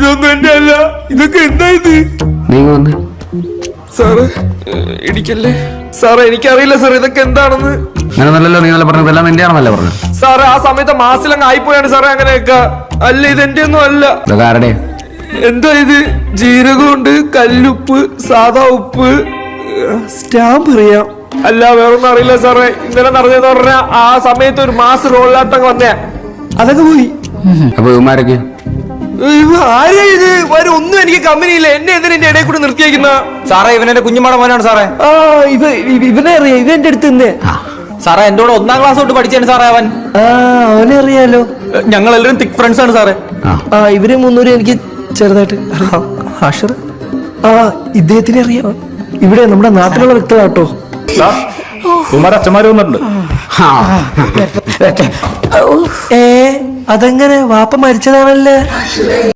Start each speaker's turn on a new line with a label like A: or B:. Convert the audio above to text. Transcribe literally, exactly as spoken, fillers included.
A: ഇതൊന്നും എന്റെ അല്ല. ഇതൊക്കെ എന്താ ഇത്?
B: നീ വന്ന്
A: സാറ് ഇടിക്കല്ലേ സാറേ, എനിക്കറിയില്ല സാർ ഇതൊക്കെ എന്താണെന്ന്.
B: അങ്ങനെയല്ലോ നീ നല്ല പറഞ്ഞത്, എല്ലാം എന്റെ ആണെന്നല്ലേ പറഞ്ഞു.
A: സാറേ ആ സമയത്ത് മാസിലങ്ങ് ആയിപ്പോയാണ് സാറേ അങ്ങനെയൊക്കെ. അല്ല ഇത് എന്റെ ഒന്നും അല്ല.
B: ഇതൊക്കെ ആരുടെ?
A: എന്താ ഇത്? ജീരകമുണ്ട്, കല്ലുപ്പ്, സാധാ ഉപ്പ്, സ്റ്റാമ്പ് അറിയാം. അല്ല വേറൊന്നും അറിയില്ല സാറേ. ഇന്നലെ നടന്നതെന്ന് പറഞ്ഞാ ആ സമയത്ത് ഒരു മാസ് റോളിലാട്ടം വന്നേ, അതൊക്കെ പോയി.
B: അപ്പൊ ഇവന്മാരൊക്കെ
A: ആരാ ഇത്? വരും ഒന്നും എനിക്ക് കമ്പനിയില്ല. എന്നെ എന്തിനാ എന്റെ ഇടയിൽ കൂടെ നിർത്തിയേക്കുന്ന?
C: സാറേ ഇവനെന്റെ കുഞ്ഞുമാടെ മോനാണ് സാറേ.
A: ആ ഇവ ഇവനെ അറിയാം. ഇവ എന്റെ അടുത്ത് നിന്നേ.
C: സാറേ എന്റെ കൂടെ ഒന്നാം ക്ലാസ് തൊട്ട് പഠിച്ചാണ് സാറേ അവൻ.
A: ആ അവനെ അറിയാലോ.
C: ഞങ്ങൾ എല്ലാവരും തിക് ഫ്രണ്ട്സ് ആണ് സാറേ.
A: ആ ഇവരെ മുന്നൂറ് എനിക്ക് ചെറുതായിട്ട് അറിയാം. അഷർ ആ ഇദ്ദേഹത്തിനെ അറിയാം. ഇവിടെ നമ്മുടെ നാട്ടിലുള്ള വ്യക്തികളാട്ടോ.
C: അച്ഛന്മാര് വന്നിട്ടുണ്ട്.
A: ഏ അതെങ്ങനെ? വാപ്പ മരിച്ചതാണല്ലേ?